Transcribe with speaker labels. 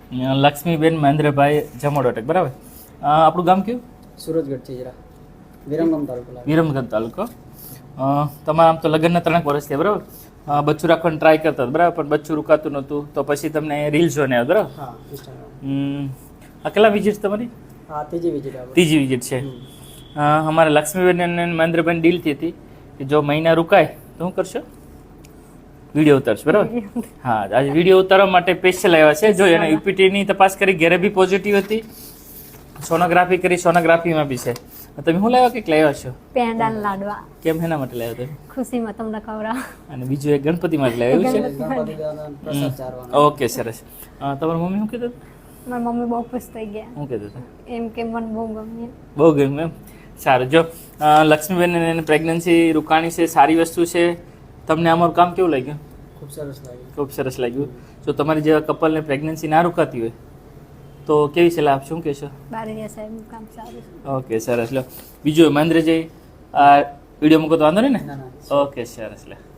Speaker 1: લક્ષ્મીબેન મહેન્દ્રભાઈ જમોડોટક, બરાબર. આપણું ગામ કયું?
Speaker 2: સુરજગઢ ચીજરા, વિરમગામ તાલુકો.
Speaker 1: વિરમગામ તાલુકો. તમારા આમ તો લગ્નના 3 વર્ષ થયા, બરાબર. બચ્ચું રાખવાનું ટ્રાય કરતા હતા, બરાબર, પણ બચ્ચું રૂકાતું નહોતું, તો પછી તમને રીલ જોઈને આવ્યો, બરાબર.
Speaker 2: હા, ઇન્સ્ટાગ્રામ.
Speaker 1: આ કેટલા વિઝિટ તમારી?
Speaker 2: હા, ત્રીજી વિઝિટ આવે.
Speaker 1: ત્રીજી વિઝિટ છે. અમારે લક્ષ્મીબેન અને મહેન્દ્રભાઈ ડીલ થઈ હતી કે જો મહિના રોકાય તો શું કરશો? વિડીયો ઉતારશો, બરાબર. હા, આજે વિડીયો ઉતારવા માટે સ્પેશિયલ આવ્યા છે. જો એને યુપીટીની તપાસ કરી, ઘરે બી પોઝિટિવ હતી, સોનોગ્રાફી કરી, સોનોગ્રાફીમાં બી છે. તમે શું લાવ્યા, કંઈક લાવ્યા છો?
Speaker 3: પેંડા લાડવા.
Speaker 1: કેમ, એના માટે લાવ્યા તમે?
Speaker 3: ખુશીમાં તમને ખવડાવ.
Speaker 1: અને બીજું એક ગણપતિ માટે લાવ્યા, એવું છે?
Speaker 2: ગણપતિ દાદાનો પ્રસાદ ચારવાનો.
Speaker 1: ઓકે, સરસ. તમારી મમ્મી શું કહેતા હતા?
Speaker 3: મારી મમ્મી બહુ ખુશ થઈ ગયા.
Speaker 1: શું કહેતા હતા?
Speaker 3: એમ કે મને બહુ ગમે.
Speaker 1: બહુ ગમ્યું એમ. સારું. જો લક્ષ્મીબેન એને પ્રેગ્નન્સી રોકાણી છે, સારી વસ્તુ છે. તમને અમારું કામ કેવું લાગ્યું?
Speaker 2: ખૂબ સરસ લાગ્યું.
Speaker 1: ખૂબ સરસ લાગ્યું. જો તમારી જેવા કપલને પ્રેગ્નન્સી ના રોકાતી હોય તો કેવી સલાહ આપશો, શું કહેશો?
Speaker 3: બારૈયા સાહેબનું કામ સારું છે.
Speaker 1: ઓકે, સરસ. લો બીજું મહેન્દ્રજી આ વિડીયો મૂકો તો વાંધો નહીં ને?
Speaker 2: ના.
Speaker 1: ઓકે, સરસ. લે